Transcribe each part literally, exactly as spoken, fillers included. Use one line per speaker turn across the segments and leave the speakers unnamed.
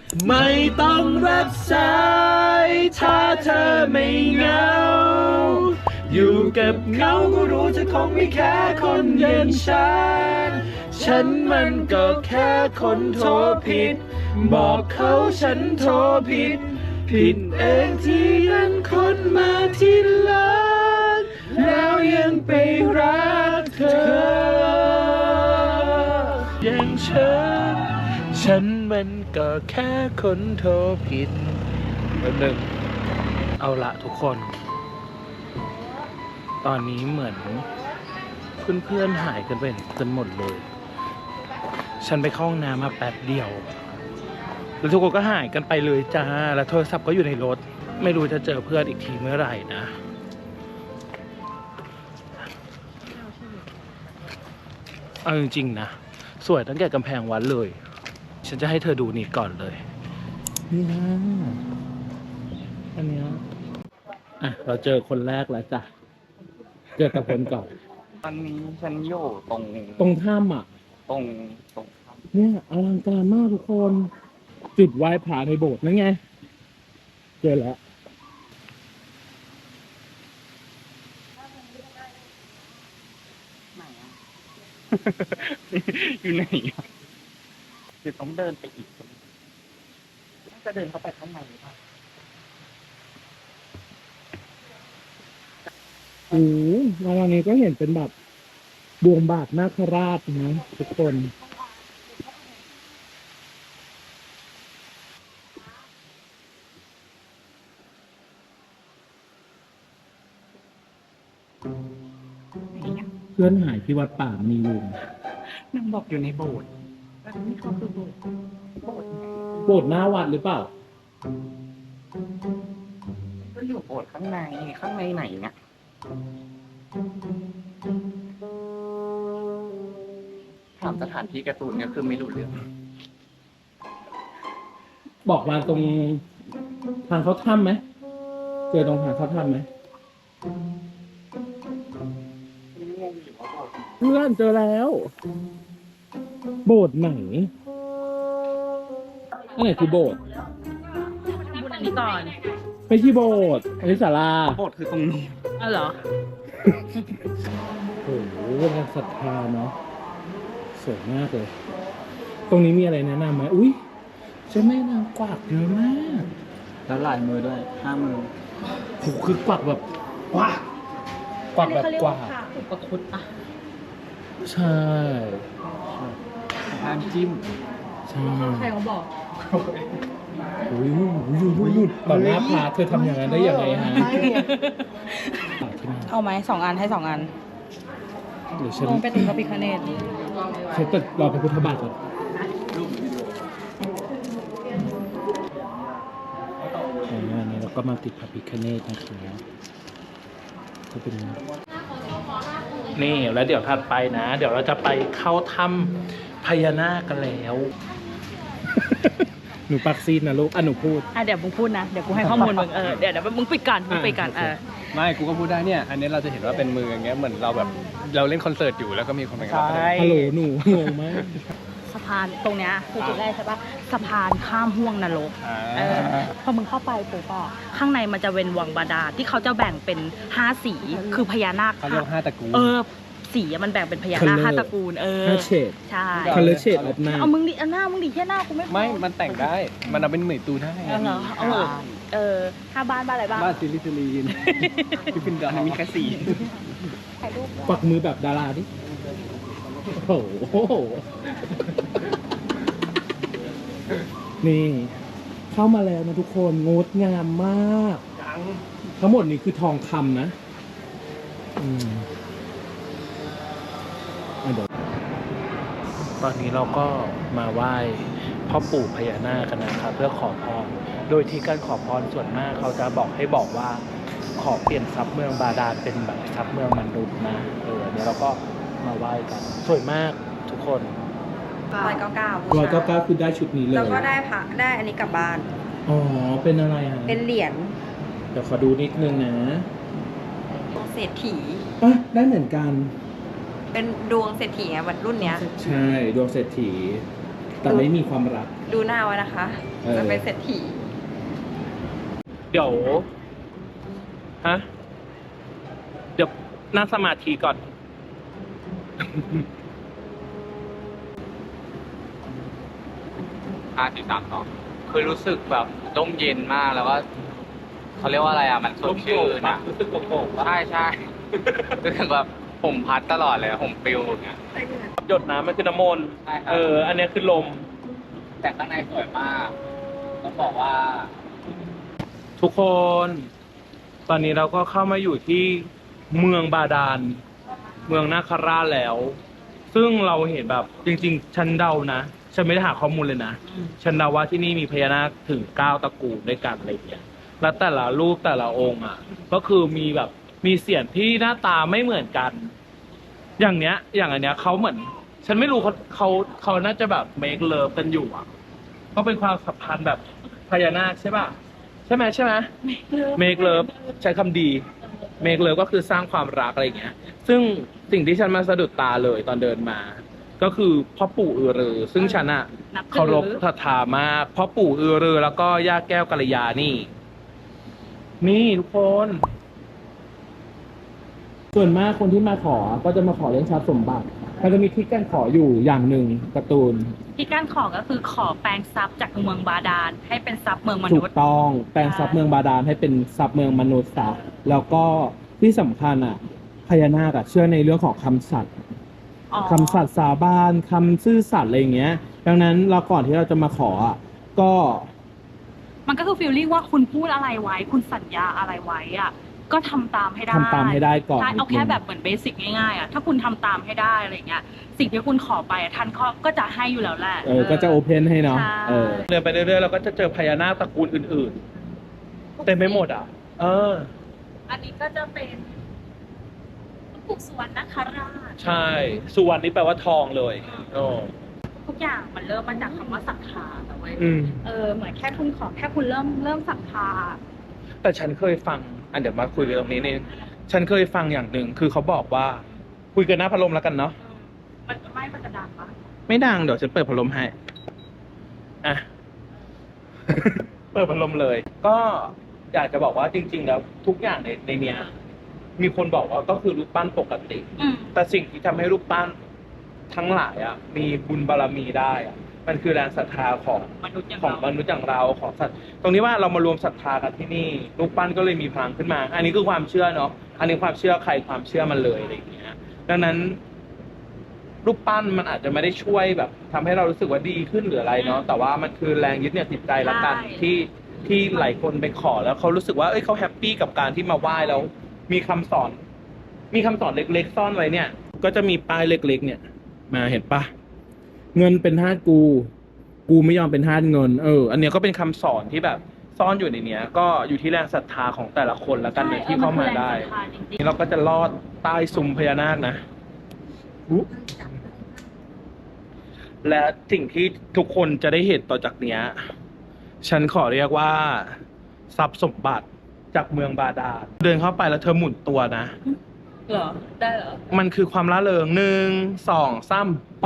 ไม่ต้องรับสายถ้าเธอไม่เหงาอยู่กับเงาก็รู้เธอคงไม่แค่คนอย่างฉันฉันมันก็แค่คนโทรผิดบอกเขาฉันโทรผิดผิดเองที่นั้นคนมาทีหลังแล้วยังไปรักเธออย่างฉันฉันมันก็แค่คนโทรผิดแบบหนึ่งเอาละทุกคนตอนนี้เหมือนเพื่อนๆหายกันไปกันหมดเลยฉันไปเข้าห้องน้ำมาแป๊บเดียวแล้วทุกคนก็หายกันไปเลยจ้าแล้วโทรศัพท์ก็อยู่ในรถไม่รู้จะเจอเพื่อนอีกทีเมื่อไหร่นะเอาจริงๆนะสวยตั้งแต่กำแพงวัดเลยฉันจะให้เธอดูนี่ก่อนเลยนี่นะอันเนี้ยอ่ะเราเจอคนแรกแล้วจ้ะเจอกับคนก่อน
ตอนนี้ฉันอยู่ตรง
ตรงถ้ำอ่ะ
ตรงตรง
เนี่ยอลังการมากทุกคนจุดไหว้พระในโบสถ์นั่นไงเจอแล้ว
ไหนอ่ะ อยู่ไหนอ่ะเดี๋ยวต้องเดินไปอีกน่าจะเดินเข้าไปข้างในหรือเปล่า
โอ้โหวันนี้ก็เห็นเป็นแบบดวงบาทนาคราชนะทุกคนเพื่อนหายที่วัดป่ามีลุง
นางบอกอยู่ในโบสถ์แต่นี่เขาคือโบสถ์โบสถ์ไหน
โบสถ์หน้าวัดหรือเปล่า
ก็อยู่โบสถ์ข้างในข้างในไหนเนี่ยถามสถานที่การ์ตูนก็คือไม่รู้เรื่อง
บอกมาตรงทางเขาถ้ำไหมเจอตรงทางเขาถ้ำไหม
งงอยู่ว่าโบสถ์
เพื่อนเจอแล้ว โบสถ์ไหนอันไหนคือโบสถ์
พูดอันนี้ก่อน
ไม่ใช่โบสถ์อันนี้ศาลา
โบสถ์คือตรงนี้
อ๋อเหรอ
โอ้โหเป็นการศรัทธาเนาะสวยมากเลย ตรงนี้มีอะไรแนะนำไหมอุ้ยเจ้าแม่นางกวักเยอะมาก
แล้วลายมือด้วยห้ามือ
โหคือกวักแบบกวักกวักแบบกวัก
อุปคุตอ่ะ
ใช่
ห้ามจิ้ม
ใช่
ใครเขาบอก
อุ้ยอุ้ยอุ้ยอุ้ยต่อหน้าพระเธอทำอย่างนั้นได้ยังไงฮะ
เอาไหมสองอันให้สองอัน
เดี๋ยวฉัน
ลงไปตรงพระพิฆเนศ
ฉันจะรอพระพุทธบาทก่อนอันนี้เราก็มาติดพระพิฆเนศนะครับก็เป็นนี่แล้วเดี๋ยวถัดไปนะ เดี๋ยวเราจะไปเข้าถ้ำพญานาคกันแล้ว หนูปักซีนนะลูกอ่ะหนูพูด
อ่ะเดี๋ยวมึงพูดนะ เดี๋ยวกูให้ข้อมูลมึง เออ เดี๋ยวเดี๋ยวมึงปิดก่อนมึงปิดก่อนเออ
ไม่กูก็พูดได้เนี่ย อันนี้เราจะเห็นว่าเป็นมืออย่างเงี้ยเหมือนเราแบบเราเล่นคอนเสิร์ตอยู่แล้วก็มีคนมา
ใช่
ฮัลโหลหนูงงมาก
สะพานตรงเนี้ยคือจุดแรกใช่ปะสะพานข้ามห่วงนรก
อ่า
เออพอมึงเข้าไปปุ๊บอ่ะข้างในมันจะเป็นวังบาดาลที่เขาจะแบ่งเป็นห้าสีคือพญานาค
เขาเรียกว่าห้าตระกูล
เออสีอะมันแบ่งเป็นพญานาค
Color
ห้าตระกูล เออ
ห้าเฉด
ใช่
color shade of หน้า
เอามึงดิเอาหน้ามึงดิแค่หน้ากูไม่พอ
ไม่ มันแต่งได้ มันเอาเป็นเหมยตูได้
เอาเหรอเอาเหรอเออห้าบ้านบ้านอะไรบ้าง
บ้านซิลิซิลีนที่เป็นดอนมีแค่สี่
ถ่ายรูป
ปักมือแบบดาราดิ โอ้โห นี่ เข้ามาแล้วนะทุกคนงดงามมาก ทั้งหมดนี้คือทองคำนะ อืมอ่ะเดี๋ยวตอนนี้เราก็มาไหว้พ่อปู่พญานาคกันนะครับเพื่อขอพร โดยที่การขอพรส่วนมากเขาจะบอกให้บอกว่า ขอเปลี่ยนทรัพย์เมืองบาดาลเป็นแบบทรัพย์เมืองมนุษย์นะ เออเดี๋ยวเราก็มาไหว้กัน สวยมากทุกคน
ร้อยเก้าเก้า
ร้อยเก้าเก้าคือได้ชุดนี้เลย
แล้วก็ได้พระได้อันนี้กลับบ้าน
อ๋อ เป็นอะไรอ่ะ
เป็นเหรียญ
เดี๋ยวขอดูนิดนึงนะ
เศรษฐี
อ่ะได้เหมือนกัน
เป็นดวงเศรษฐีอะแบบรุ่นเนี้ย
ใช่ ดวงเศรษฐีแต่ไม่มีความรัก
ดูหน้าไว้นะคะ
เออ
จะเป็นเศรษฐี
เดี๋ยวฮะเดี๋ยวนั่งสมาธิก่อน
ห้าสี่สามสองคือรู้สึกแบบร่มเย็นมากแล้วก็เขาเรียกว่าอะไรอ่ะมันสดชื่นอ่ะ
รู้สึกโกรธปะ
ใช่ใช่ รู้สึกแบบผมพัดตลอดเลยผมปลิวอย่างเงี้ย
หยดน้ำมันคือน้ำมนต์
ใช่ครับ
เออ อันเนี้ยคือลม
แต่ข้างในสวยมากต้องบอกว่า
ทุกคน ตอนนี้เราก็เข้ามาอยู่ที่เมืองบาดาล เมืองนาคราชแล้ว ซึ่งเราเห็นแบบจริงๆ ฉันเดานะ ฉันไม่ได้หาข้อมูลเลยนะ ฉันเดาว่าที่นี่มีพญานาคถึงเก้าตระกูลด้วยกันอะไรอย่างเงี้ย แล้วแต่ละรูปแต่ละองค์อ่ะ ก็คือมีแบบมีเสียงที่หน้าตาไม่เหมือนกัน อย่างเนี้ย อย่างอันเนี้ยเขาเหมือน ฉันไม่รู้เขาเขาเขาน่าจะแบบเมคเลิฟกันอยู่อ่ะก็เป็นความสัมพันธ์แบบพญานาคใช่ป่ะ ใช่ไหมใช่ไหมเมคเลิฟใช้คำดีเมคเลิฟก็คือสร้างความรักอะไรอย่างเงี้ย ซึ่งสิ่งที่ฉันมาสะดุดตาเลยตอนเดินมา ก็คือพ่อปู่อือรือ ซึ่งฉันอะ
นับถือ
เคารพศรัทธามากพ่อปู่อือรือ แล้วก็ย่าแก้วกัลยานี่ นี่ทุกคน ส่วนมากคนที่มาขอก็จะมาขอเรื่องทรัพย์สมบัติมันจะมีที่การขออยู่อย่างหนึ่งการ์ตูน
ที่การขอก็คือขอแปลงทรัพย์จากเมืองบาดาลให้เป็นทรัพย์เมืองม
ถู
นุ
ก
ษย์
ต้องแปลงทรัพย์เมืองบาดาลให้เป็นทรัพย์เมืองมนุษย์ซะแล้วก็ที่สำคัญอ่ะพญานาคอะเชื่อในเรื่องของคำสัตย์
อ๋อ
คำสัตย์สาบานคำซื่อสัตย์อะไรอย่างเงี้ย ดังนั้นเราก่อนที่เราจะมาขออ่ะก็
มันก็คือฟีลลิ่งว่าคุณพูดอะไรไว้ คุณสัญญาอะไรไว้อะก็ทำตามให้ได้
ทำตามให้ได้ก่อน
ใช่เอาแค่แบบเหมือนเบสิกง่ายๆอะถ้าคุณทำตามให้ได้อะไรเงี้ยสิ่งที่คุณขอไปอะท่านก็จะให้อยู่แล้วแหละ
เออก็จะโอเพนให้เนาะ
ใช่
เออ
เดินไปเรื่อยๆเราก็จะเจอพญานาคตระกูลอื่นๆเต็มไปหมดอ่ะ เออ
อันนี้ก็จะเป็นปู่สุวรรณนคราช
ใช่ สุวรรณนี่แปลว่าทองเลยโอ้
ทุกอย่างมันเริ่มมาจากคำว่าศรัทธาแต่เว้ย
อืม
เออเหมือนแค่คุณขอแค่คุณเริ่มเริ่มศรัทธา
แต่ฉันเคยฟัง อันเดี๋ยวมาคุยกันตรงนี้นี่ฉันเคยฟังอย่างหนึ่งคือเขาบอกว่า คุยกันหน้าพัดลมแล้วกันเนาะ
มันไม่มันจะดังปะ
ไม่ดังเดี๋ยวฉันเปิดพัดลมให้ อ่ะ เปิดพัดลมเลย ก็อยากจะบอกว่าจริง ๆ แล้วทุกอย่างในในเนี้ย มีคนบอกว่าก็คือรูปปั้นปกติ
อืม
แต่สิ่งที่ทำให้รูปปั้นทั้งหลายอ่ะ มีบุญบารมีได้อ่ะ มันคือแรงศรัทธาของ
มนุษย์อย่าง
ของ
เรา
มนุษย์อย่างเราของสัตว์ตรงนี้ว่าเรามารวมศรัทธากันที่นี่รูปปั้นก็เลยมีพลังขึ้นมา อันนี้คือความเชื่อเนาะอันนี้ความเชื่อใครความเชื่อมันเลยอะไรอย่างเงี้ยดังนั้น รูปปั้นมันอาจจะไม่ได้ช่วยแบบทำให้เรารู้สึกว่าดีขึ้นหรืออะไรเนาะแต่ว่ามันคือแรงยึดเหนี่ยวจิตใจละกันที่ที่หลายคนไปขอแล้วเขารู้สึกว่าเอ้ยเขาแฮปปี้กับการที่มาไหว้แล้ว มีคำสอน มีคำสอนเล็กๆซ่อนไว้เนี่ย ก็จะมีป้ายเล็ก ๆ เนี่ย มาเห็นปะเงินเป็นทาสกู กูไม่ยอมเป็นทาสเงิน เออ อันเนี้ยก็เป็นคำสอนที่แบบซ่อนอยู่ในเนี้ย ก็อยู่ที่แรงศรัทธาของแต่ละคนละกันเลยที่เข้ามาได้
ใช่ออมันคือแรงศรัทธาจริง
นี่เราก็จะลอดใต้ซุ้มพญานาคนะอุ๊และสิ่งที่ทุกคนจะได้เห็นต่อจากเนี้ย ฉันขอเรียกว่าทรัพย์สมบัติจากเมืองบาดาล เดินเข้าไปแล้วเธอหมุนตัวนะ
ๆเหรอได้เหรอ
มันคือความละเริงหนึ่งสองสามไป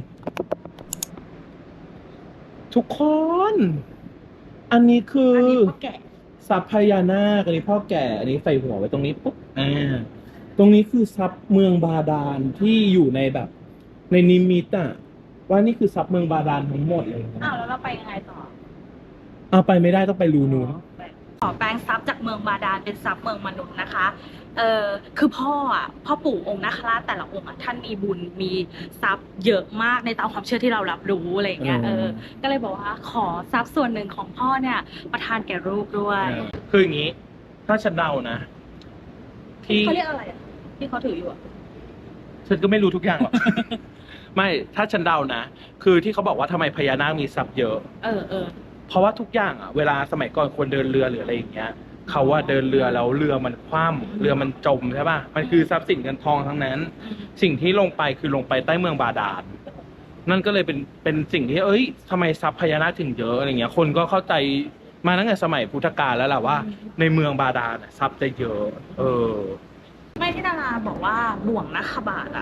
ทุกคน อันนี้คือ
อัน
อ
นี้พ่อแก่
ทรัพย์พญานาคอันนี้พ่อแก่ อันนี้ใส่หัวไว้ตรงนี้ปุ๊บอ่าตรงนี้คือทรัพย์เมืองบาดาลที่อยู่ในแบบ ในนิมิตอ่ะ ว่านี่คือทรัพย์เมืองบาดาลทั้งหมดเลยนะ
อ้าวแล้วเราไปยังไงต่อ
เอาไปไม่ได้ต้องไปรูนู้น
ขอแปลงทรัพย์จากเมืองบาดาลเป็นทรัพย์เมืองมนุษย์นะคะ เออคือพ่ออ่ะพ่อปู่องค์นาคราชแต่ละองค์อ่ะท่านมีบุญมีทรัพย์เยอะมากในตามความเชื่อที่เรารับรู้อะไรอย่างเงี้ย
อืม
เออ ก็เลยบอกว่าขอทรัพย์ส่วนหนึ่งของพ่อเนี่ย ประทานแก่ลูกด้วย
คืออย่างนี้ ถ้าฉันเดานะ ที่
เขาเรียกอะไรอ่ะที่เขาถืออยู่อ่ะ
ฉันก็ไม่รู้ทุกอย่างหรอก ไม่ ถ้าฉันเดานะ คือที่เขาบอกว่าทำไมพญานาคมีทรัพย์เยอะ
เออเออ
เพราะว่าทุกอย่างอ่ะ เวลาสมัยก่อนคนเดินเรือหรืออะไรอย่างเงี้ย เขาว่าเดินเรือแล้วเรือมันคว่ำเรือมันจมใช่ป่ะ มันคือทรัพย์สินเงินทองทั้งนั้น สิ่งที่ลงไปคือลงไปใต้เมืองบาดาล นั่นก็เลยเป็นเป็นสิ่งที่ เอ้ยทำไมทรัพย์พญานาคถึงเยอะอะไรเงี้ย คนก็เข้าใจมาตั้งแต่สมัยพุทธกาลแล้วแหละว่า ในเมืองบาดาลน่ะทรัพย์จะเยอะ เออ
ไม่ที่ดาราบอกว่าบ่วงนาคบาทอ่ะ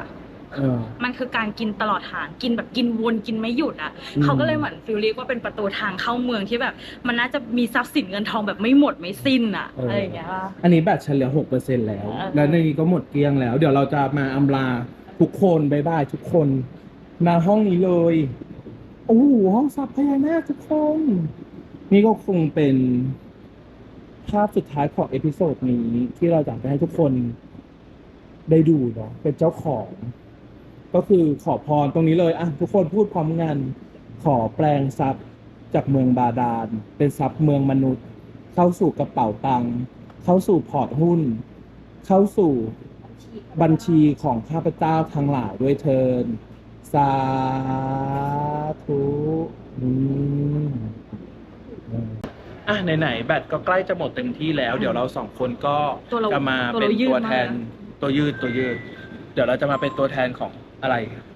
เออ
มันคือการกินตลอดทางกินแบบกินวนกินไม่หยุดอ่ะ
อืม
เขาก็เลยเหมือนฟิลเรียกว่าเป็นประตูทางเข้าเมืองที่แบบ มันน่าจะมีทรัพย์สินเงินทองแบบไม่หมดไม่สิ้นอ่ะอะไรอย่างเงี้ยป่ะ
อันนี้แบตฉันเหลือหกเปอร์เซ็นแล้ว
เออ
แล้วในนี้ก็หมดเกลี้ยงแล้ว เดี๋ยวเราจะมาอำลาทุกคนบายบายทุกคนมาห้องนี้เลย โอ้โหห้องซับพญานาคทุกคน นี่ก็คงเป็นภาพสุดท้ายของเอพิโซดนี้ที่เราอยากจะให้ทุกคนได้ดูเนาะเป็นเจ้าของ ก็คือขอพรตรงนี้เลยอ่ะทุกคนพูดพร้อมกันขอแปลงทรัพย์จากเมืองบาดาลเป็นทรัพย์เมืองมนุษย์ เข้าสู่กระเป๋าตังค์เข้าสู่พอร์ตหุ้น เข้าสู่บัญชีของข้าพเจ้าทั้งหลายด้วยเทินสาธุอืมอ่ะไหนๆแบตก็ใกล้จะหมดเต็มที่แล้ว เดี๋ยวเราสองคนก็
ตัวเรา
จะมา
ตัว
เป็น
เรายืด
ตัวแทน
มาก
ตัวยืดตัวยืด เดี๋ยวเราจะมาเป็นตัวแทนของอะไร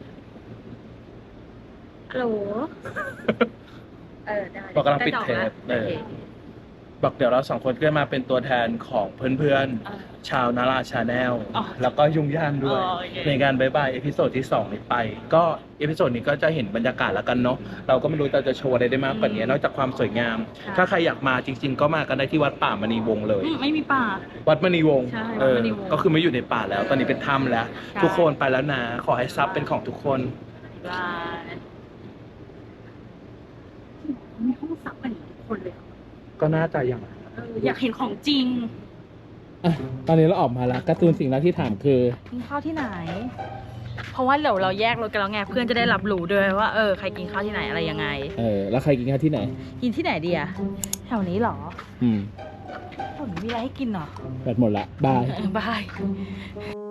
ฮัลโหลเออได้
บอกกำลังปิด
ไต่อ
เทป
นะ
เออ
โอเค
บอกเดี๋ยวเราสองคนก็มาเป็นตัวแทนของเพื่อน
เออ
ๆ ชาวนาราชาแนล
อ๋อ
แล้วก็ยุ่งย่านด้วย
อ๋อโอเค
ในการบายบายเอพิโซดที่สองนี้ไป ก็เอพิโซดนี้ก็จะเห็นบรรยากาศแล้วกันเนาะเราก็ไม่รู้เราจะโชว์อะไรได้มากกว่านี้นอกจากความสวยงาม ถ้าใครอยากมาจริง ๆ ก็มากันได้ที่วัดป่ามณีวงศ์เลย
อืมไม่มีป่า
วัดมณีวงศ์
ใช่
เออ
วัดมณีวงศ์
ก็คือไม่อยู่ในป่าแล้ว ตอนนี้เป็นถ้ำแล้ว
ใช่
ทุกคนไปแล้วนะ ขอให้ทรัพย์เป็นของทุกคน
บายมีห้องซับกันทุกคนเลย
ก็น่าจะอย่าง
เอออยากเห็นของจริง
อ่ะตอนนี้เราออกมาแล้วการ์ตูนสิ่งแรกที่ถามคือ
กินข้าวที่ไหน เพราะว่าเดี๋ยวเราแยกรถกันแล้วไงเพื่อนจะได้รับรู้ด้วยว่าเออใครกินข้าวที่ไหนอะไรยังไง
เออ แล้วใครกินข้าวที่ไหน
กินที่ไหนดีอะแถวนี้เหรอ
อืม
แถวนี้มีอะไรให้กินเหรอ
แบตหมดละ บาย
บาย